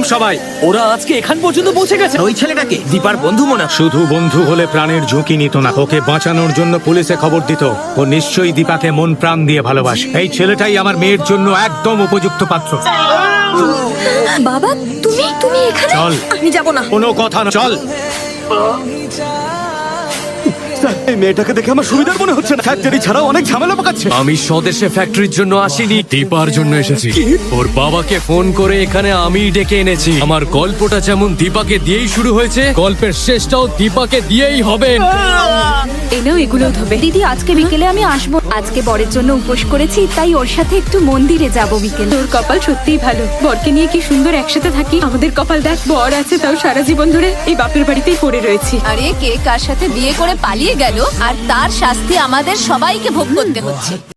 সবাই। ওরা আজকে এখান পর্যন্ত পৌঁছে গেছে। ওই ছেলেটাকে দীপার বন্ধু মনে হয়। শুধু বন্ধু হলে প্রাণের ঝুঁকি নিত না, ওকে বাঁচানোর জন্য পুলিশে খবর দিত। ও নিশ্চয়ই দীপাকে মন প্রাণ দিয়ে ভালোবাসে। এই ছেলেটাই আমার মেয়ের জন্য একদম উপযুক্ত পাত্র। বাবা, তুমি তুমি এখানে? চল। আমি যাব না। কোনো কথা না, চল। এই মেয়েটাকে দেখে আমার সুবিধার মনে হচ্ছে না। ফ্যাক্টরি ছাড়াও অনেক ঝামেলা পাকাচ্ছে। আমি স্বদেশে ফ্যাক্টরির জন্য আসিনি, দীপার জন্য এসেছি। ওর বাবাকে ফোন করে এখানে আমিই ডেকে এনেছি। আমার গল্পটা যেমন দীপাকে দিয়েই শুরু হয়েছে, গল্পের শেষটাও দীপাকে দিয়েই হবে। এনাও এগুলো ধোবে। দিদি, আজকে বিকেলে আমি আসবো। আজকে বরের জন্য উপোস করেছি, তাই ওর সাথে একটু মন্দিরে যাব বিকেলে। তোর কপাল সত্যিই ভালো, বরকে নিয়ে কি সুন্দর একসাথে থাকি। আমাদের কপাল দেখ, বর আছে তাও সারা জীবন ধরে এই বাপের বাড়িতেই পড়ে রয়েছি। আরে কে কার সাথে বিয়ে করে পালিয়ে গেল আর তার শাস্তি আমাদের সবাইকে ভোগ করতে হচ্ছে।